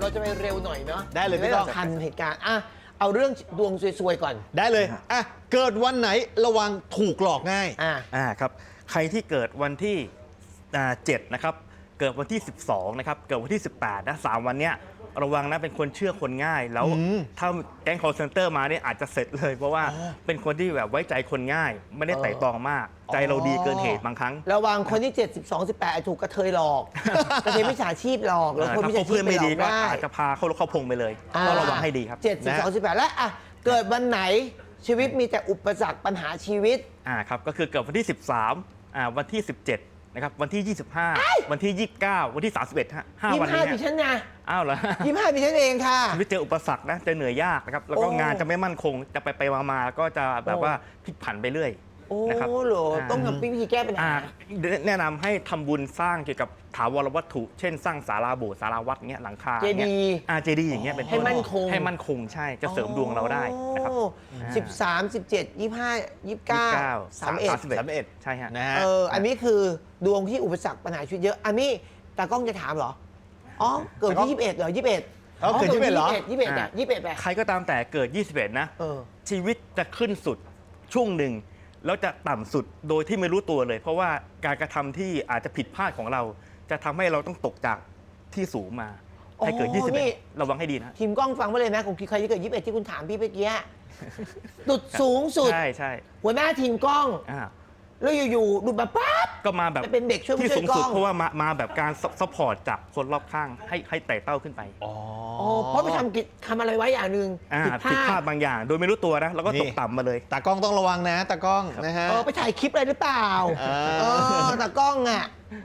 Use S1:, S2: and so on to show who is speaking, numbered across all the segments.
S1: เราจะไปเร็วหน่อยเนาะ
S2: ได้เลยพี่ก้อง
S1: ทันเหตุการณ์อ่ะเอาเรื่องดวงซวยๆก่อน
S2: ได้เลยอ่ะเกิดวันไหนระวังถูกหลอกง่าย
S3: ครับใครที่เกิดวันที่7นะครับเกิดวันที่12นะครับเกิดวันที่18นะ3วันเนี้ยระวังนะเป็นคนเชื่อคนง่ายแล้วถ้าแก๊ง call center มาเนี่ยอาจจะเสร็จเลยเพราะว่าเป็นคนที่แบบไว้ใจคนง่าย ไม่ได้ไต่ตรองมาก ใจเราดีเกินเหตุบางครั้ง
S1: ระวังคนที่ 7 12 18อาจถูกกระเทยหลอกกระเทยมิจฉาชีพหลอกแล้วคน
S3: ถ้า
S1: มิจฉาชี
S3: เพื่
S1: พ
S3: อน
S1: ไป
S3: ไม่
S1: หล
S3: ดี
S1: อก
S3: ก็
S1: ได้
S3: อาจจะพาเข้าพงไปเลยก็ระวังให้ดีครับ
S1: 7 12 18และอ่ะเกิดวันไหนชีวิตมีแต่อุปสรรคปัญหาชีวิต
S3: ครับก็คือเกิดวันที่ 13วันที่ 17นะครับวันที่ 25 วันที่ 29 วันที่ 31ฮะ5วันนี้
S1: 25ดิฉันนะ
S3: อ้าวเหรอ
S1: 25ดิฉันเองค่ะ
S3: ชีวิตเจออุปสรรคนะจะเหนื่อยยากนะครับแล้วก็
S1: โอ้
S3: งานจะไม่มั่นคงจะไปมาก็จะแบบว่าพลิกผันไปเรื่อย
S1: โอ้
S3: นะครับ
S1: โหต้องทำวิธีแก้ปัญหา
S3: แนะนำให้ทำบุญสร้างเกี่ยวกับถาวรวัตถุ เช่นสร้างศาลาโบสถ์ศาลาวัดเงี้ยหลังคา
S1: เจดีย์
S3: เจดีย์อย่างเงี้ยเป็นต้น
S1: ให้มั่นคง
S3: ให้มั่นคงใช่จะเสริมดวงเราได้นะครับ
S1: 13 17 25 29 31
S3: ใช่ฮะ
S2: นะฮะ
S1: อันนี้คือดวงที่อุปสรรคปัญหาชีวิตเยอะ อันนี้ตากล้องจะถามเหรอ อ๋อ เกิดที่ 21เหรอ 21
S2: เกิด21เหรอ
S1: 21อ่ะ21แบบ
S3: ใครก็ตามแต่เกิด 21 นะ
S1: เออ
S3: ชีวิตจะขึ้นสุดช่วงหนึ่งแล้วจะต่ำสุดโดยที่ไม่รู้ตัวเลย เพราะว่าการกระทำที่อาจจะผิดพลาดของเรา จะทำให้เราต้องตกจากที่สูงมาให้เกิด 21 ระวังให้ดีนะ
S1: ทีมกล้องฟังไว้เลยนะของใครที่เกิด 21 ที่คุณถามพี่เมื่อกี้สุดสูงสุด
S3: ใช่
S1: หัวหน้าทีมกล้อง
S3: อ่า
S1: แล้วอยู่ๆดูดมาปั๊บ
S3: ก็มาแบบ
S1: จะเป็นเด็กช่วย
S3: ที่
S1: ช่วย
S3: สูงสุด
S1: กล้อง
S3: เพราะว่ามาแบบการซัพพอร์ตจากคนรอบข้างให้ไต่เต้าขึ้นไป
S1: อ๋อเพราะไปทำอะไรไว้อย่างหนึ่งผิดพ
S3: ผิดพ
S1: ลา
S3: ลา
S1: ด
S3: ดบางอย่าง โดยไม่รู้ตัวนะแล้วก็ตกต่ำมาเลย
S2: ตากล้องต้องระวังนะตากล้องนะฮะ
S1: ไปถ่ายคลิปอะไรหรือเปล่าตากล้องอ่ะ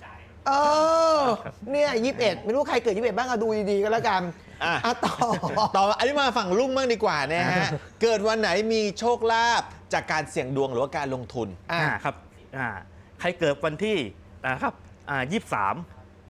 S1: เนี่ย21ไม่รู้ใครเกิด21บ้างอะดูดีๆก็แล้วกัน
S2: ต่ออันนี้มาฝั่งลุงบ้างดีกว่านะฮะ เกิดวันไหนมีโชคลาภจากการเสี่ยงดวงหรือว่าการลงทุน
S3: ครับใครเกิดวันที่นะครับ23